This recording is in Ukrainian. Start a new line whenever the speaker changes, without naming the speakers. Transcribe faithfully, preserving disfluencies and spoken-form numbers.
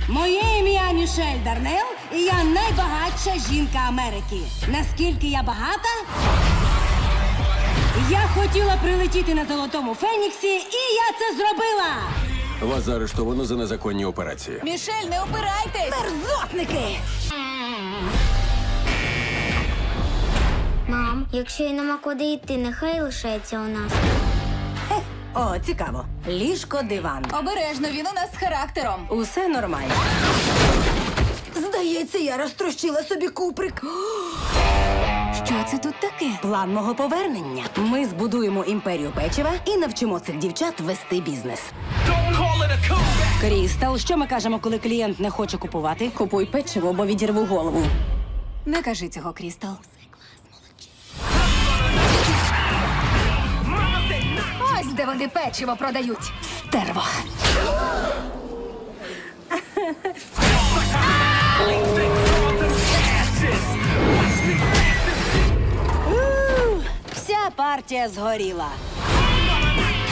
Моє ім'я Мішель Дарнел, і я найбагатша жінка Америки. Наскільки я багата? Я хотіла прилетіти на Золотому Феніксі, і я це зробила!
Вас заарештовано за незаконні операції.
Мішель, не опирайтесь!
Мерзотники!
Мам, якщо й нема куди йти, нехай лишається у нас.
О, цікаво. Ліжко, диван.
Обережно, він у нас з характером.
Усе нормально. Здається, я розтрощила собі куприк.
Що це тут таке?
План мого повернення. Ми збудуємо імперію печива і навчимо цих дівчат вести бізнес. Крістал, що ми кажемо, коли клієнт не хоче купувати? Купуй печиво, бо відірву голову.
Не кажи цього, Крістал. Ось де вони печиво продають.
Стерво. У, Вся партія згоріла.